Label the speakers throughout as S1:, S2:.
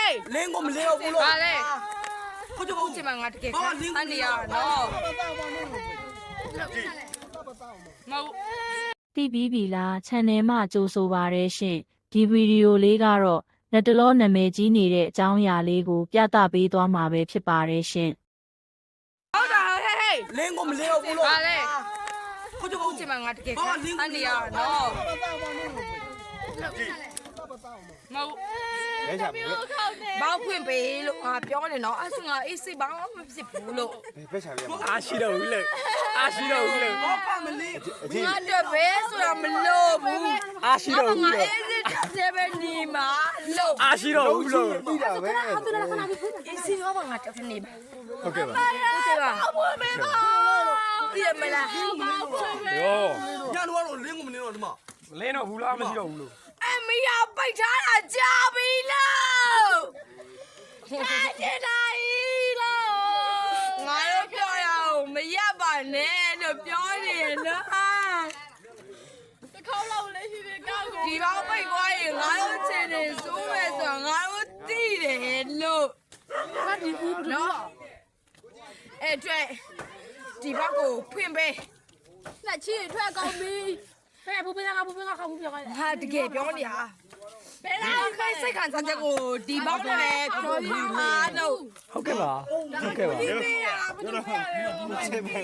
S1: လင်းကိုမလင်းဘူးလို့
S2: ပါလေ
S1: ခုကျ
S2: ခုချိန်မှာငါတကယ်အန်ဒီယာနော်မဟုတ်
S3: တိပြီးပြီလား channel မှာကြိုးဆိုပါရရှင်ဒီဗီဒီယိုလေးကတော့လက်တလောနာမည်ကြီးနေတဲ့အကြောင်းအရာလေးကိုပြသပေးသွားမှာပဲဖြစ်ပါတယ်ရှင်
S2: ဟုတ်တာဟေး
S1: လင်းကိုမလင်းဘူးလို့
S2: ပါလေ
S1: ခုကျ
S2: ခုချိန်မှာငါတကယ်အန်ဒီယာနော်မဟုတ်
S4: လဲချာဘယ်
S2: ဘောက်ဖွင့်ပေးလို့ငါပြောနေတော့အဲ့ဆိုငါအေးစိဘောင်းမဖြစ်ဘူးလို့
S4: ဘက်ချာလဲ
S5: အားရှိတော့ဘူးလေအားရှိတော့ဘူးလေ
S1: ဘာပါမလင်း
S2: ငါတော့ဘယ်ဆိုတာမလို့ဘူး
S5: အားရှိတော့ဘူး
S2: ငါ
S5: လို့
S2: အေးစစ်တဲ့ပဲနေမှာလို့
S5: အားရှိတော့ဘူးလို့
S4: ပြီးတာပဲ
S2: အေးစစ်ရောငါတက်ခနေပါ
S5: ဟုတ်ကဲ့ပါ
S2: ဟုတ်တယ်ပါဘွေးမေပါဒီမလား
S5: ရော
S1: ညတော့လင်းကိုမလင်းတော့ဒီမှာ
S5: မလင်းတော့ဘူးလားမရှိတော့ဘူးလို့
S2: အမေရပိတ်ထားတာကြာပြီလို့တဲ့တိုင်းလို့ငါတို့ပြောရအောင်မရပါနဲ့လို့ပြောနေနော်ဒီဘောင်ပိတ်သွားရင်ငါတို့ချင်နေစိုးမယ်ဆိုတော့ငါတို့သိတယ်လို့နော်အဲ့အတွက်ဒီဘောက်ကိုဖွင့်ပေး
S6: လက်ချီထွက်ကောင်းပြီဖဲဘူပင်းကခေါင်းဘူးပြောခိုင်း
S2: ဟာတကယ်ပြောနေတာဘယ်လားခိုင်းစိတ်ခံစားချက်ကိုဒီဘောက်နဲ့ပဲပြောပါလို့
S5: ဟုတ်ကဲ့ပါဟုတ်ကဲ့ပါ
S2: ဒီမေးရဘာလို့ပြောရလဲမလို့ချင်ဘူး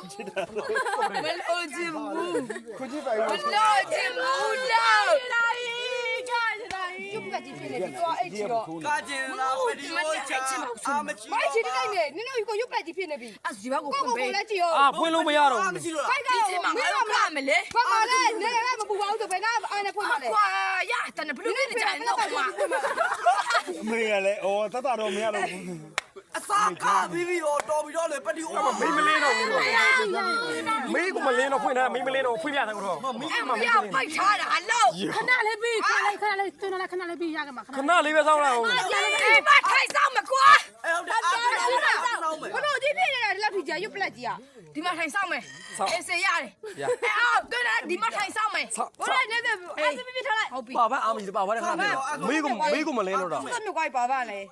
S4: ခုကြည့်ပါဦး
S2: မလို့ချင်ဘူးတော့
S6: ကျုပ်ကကြည့်ဖြစ်နေပြီတော့အဲ့ချီတော့
S1: ကာကျင်လာပဒီယိုချာအာမချီ
S6: မိုက်ချီတိုင်းနေနင်တို့ကိုရုပ်ပလက်ကြီးဖြစ်နေပြီ
S2: အဲ့ဒီဘောက်ကို
S6: ကို
S2: ဖွင့်
S6: ကို
S2: ပေး
S6: လည်းကြည့်ရော
S5: အာဖွင့်လို့မရတော့ဘူး
S1: မရှိတော့
S6: ဖိုက်က
S2: ဒီချိန်မှာငါတို့ကမလဲ
S6: ဘာမှလည်းနေလည်းမပူပါဘူးဆိုဘယ်ကအားနဲ့ဖွင့်ပါလဲ
S2: ကွာရတန်ဘလူးနဲ့ကြိုင်တော့ကွာ
S4: မေးရလဲအော်တတ်တာတော့မရတော့ဘူး
S1: အစားကားပြီးရောတော်ပြီးတော့လေပဒီယို
S5: မင်းမလင်းတော့ဘူးလို့မင်းကမလင်းတော့ဖွင့်တာမင်းမလင်းတော့ဖွင့်ပြတယ်ကတော့
S2: အဲ့မရပိုက်ထားတာလို့
S6: ခဏလေးပြီးခဏလေးကျွန်တော်လည်းခဏလေးပြီးရကမှာခဏ
S5: ခဏလေးပဲစောင်းလာအောင်
S2: ဒီမထိုင်ဆောင်မကွာ
S1: အဲ့ဟုတ်တယ်အားလုံးတော့မယ်
S6: ဘလို့ကြည့်ဖြစ်နေတာဒီလောက်ထိကြာရုပ်ပလက်ကြီးอ่ะ
S2: ဒီမထိုင်ဆောင်မယ်အေးစေရတယ်အဲ့အော်ကဲဒီမထိုင်ဆောင်မယ်
S6: ဘလို့နေတယ်အဲ့ဒီပြထားလိုက်
S2: ဟုတ်ပြီ
S5: ပါပါအားမရှိပါဘာလဲခဏနေမင်းကမလင်းတော့တော့
S6: ဆက်မြကွာပါပါလေ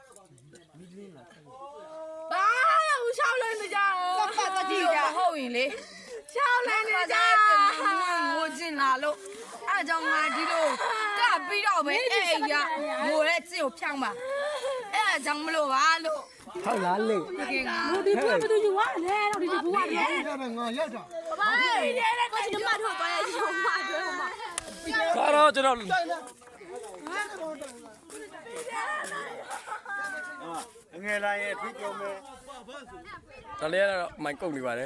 S2: ဘာလို့ရှောင်းလို့နေကြအောင်
S6: ပတ်ပတ်ကြည့်ကြ
S2: ဟုတ်ရင်လေရှောင်းလို့နေကြငိုကျင်လာလို့အဲ့ကြောင့်ငါဒီလိုကပြီးတော့ပဲအဲ့ရငိုတဲ့ကျင့်ကိုဖြောင်းပါအဲ့ကြောင့်မလို့ပါလို့
S5: ဟုတ်လားလေ
S2: တကယ်ငါ
S6: ဒီဘူးဘယ်သူယူရလဲတော့ဒီဘူးရတယ်
S4: ဒါပဲငါရောက်တာ
S6: ဘာလဲတဲ့ကိုချင်မတို့သွားရရုံမတွဲဟိုမှာ
S5: ကတော့ကျွန်တော်
S4: အငယ်လာရဲ့ဖိပြောမယ်
S5: ဒါလေးကတော့မိုင်ကုတ်နေပါတယ်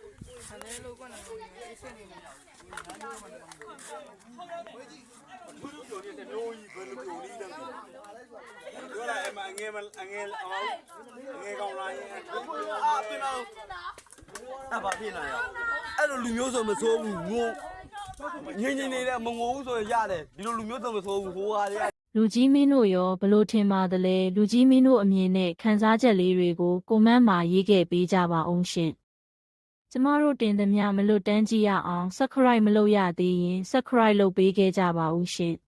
S4: ပြောလာအမအငယ်ကောင်းလာရဲ့
S1: အာပြင်တော့အဘာပြင်လာရအဲ့လိုလူမျိုးဆိုမဆိုးဘူးငိုငင်းနေတဲ့မငိုဘူးဆိုရင်ရတယ်ဒီလိုလူမျိုးဆိုမဆိုးဘူးဟိုဟာတွေ
S3: လူကြီးမင်းတို့ရောဘလို့ထင်ပါသလဲလူကြီးမင်းတို့အမြင်နဲ့ခန်းစားချက်လေးတွေကိုကွန်မန့်မှာရေးခဲ့ပေးကြပါအောင်ရှင်ကျမတို့တင်သမျှမလွတ်တမ်းကြည့်ရအောင် subscribe မလုပ်ရသေးရင် subscribe လုပ်ပေးခဲ့ကြပါဦးရှင်